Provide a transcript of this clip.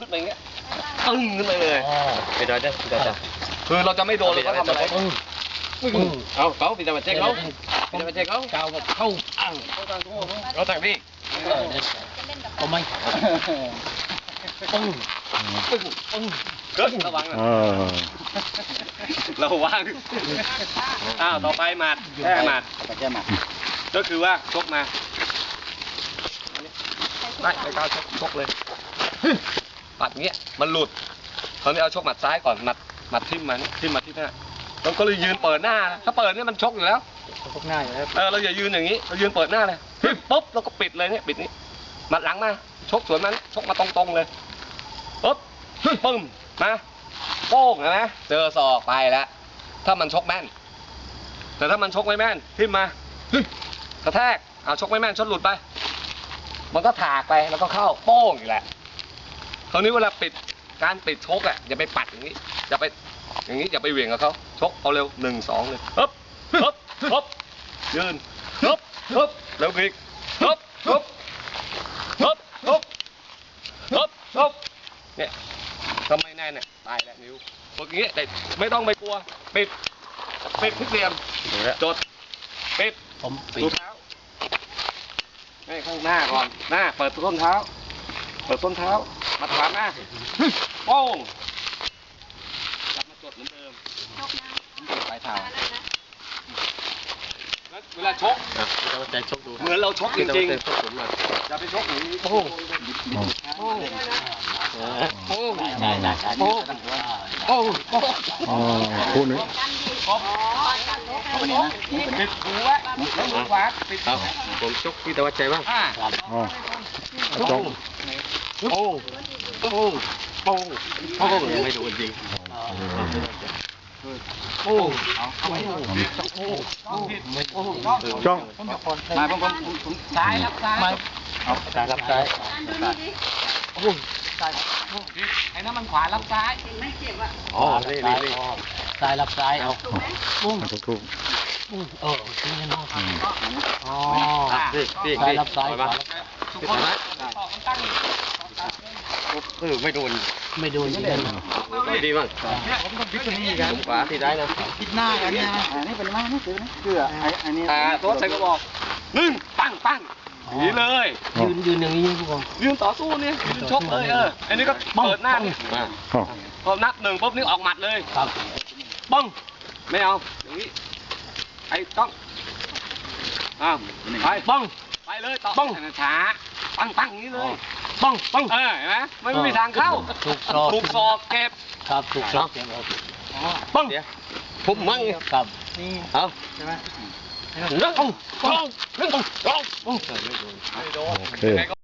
ขึ้นไปอย่างเงี้ยตึ้งขึ้นไปเลยไปได้คือเราจะไม่โดนเราก็ทำอะไรเอาเขาปีตาบัดเจ๊เขาปีตาบัดเจ๊เขาเข้าเราแต่งพี่เอาไหมเกิดระวังนะระวังต่อไปหมัดแก้หมัดก็คือว่าชกมาได้ไปก้าวชกเลยปัดเงี้ยมันหลุดตอนนี้เอาชกหมัดซ้ายก่อนหมัดทิ่มมาที่หน้าเราก็เลยยืนเปิดหน้าถ้าเปิดเนี่ยมันชกอยู่แล้วชกหน้าอยู่แล้วเราอย่ายืนอย่างนี้เรายืนเปิดหน้าเลยปุ๊บเราก็ปิดเลยเนี่ยปิดนี้หมัดหลังมาชกสวนมันชกมาตรงๆเลยปุ๊บปึ้มมาโป้งนะเจอศอกไปแล้วถ้ามันชกแม่นแต่ถ้ามันชกไม่แม่นทิ่มมากระแทกชกไม่แม่นชดหลุดไปมันก็ถากไปแล้วก็เข้าโป้งอีกแหละคราวนี้เวลาการปิดชกอย่าไปปัดอย่างนี้อย่าไปอย่างนี้อย่าไปเหวี่ยงกับเขาชกเอาเร็ว1 2เลยฮึบยืนฮึบแล้วพลิกฮึบเนี่ยทำไมแน่เนี่ยตายแล้วนิ้วพวกนี้แต่ไม่ต้องไปกลัวปิดทุกเหลี่ยมจดปิดดูเท้าให้ข้างหน้าก่อนหน้าเปิดต้นเท้ามาถามหน้าโป้งกลับมาจดเหมือนเดิมปลายเท้าเวลาชกเหมือนเราชกจริงๆอย่าไปชกอย่างนี้โป้งคู่นี้ปิดหูไว้แล้วมือขวาปิดผมชกพี่ตะวันใจบ้างจงไม่โดนจริงจ้องมาผมซ้ายรับซ้ายรับซ้ายไอ้นั่นมันขวารับซ้ายไม่เจ็บอ่ะนี่ซ้ายรับซ้ายเอาทุกจริงนะซ้ายรับซ้ายไม่โดนไม่ดีมั้งผมต้องพิจารณากันขวาที่ได้นะพิจหน้ากันเนี่ยนี่เป็นมานี่คืออันนี้โต๊ะใส่กระบอกปั้งนี่เลยยืนอย่างนี้พวกผมยืนต่อสู้เนี่ยยืนชกเลยอันนี้ก็เปิดหน้าพอนับ1ปุ๊บนี่ออกหมัดเลยครับบ้องไม่เอาอย่างนี้ไอ้ต้องไปบ้องไปเลยต่อบ้องช้าปั้งอย่างนี้เลยบ้องเห็นไหมไม่มีทางเข้าถูกศอกเก็บครับถูกศอกเก็บบ้องผมมั่งครับนี่เอาใช่ไหมเรื่องของไม่โดน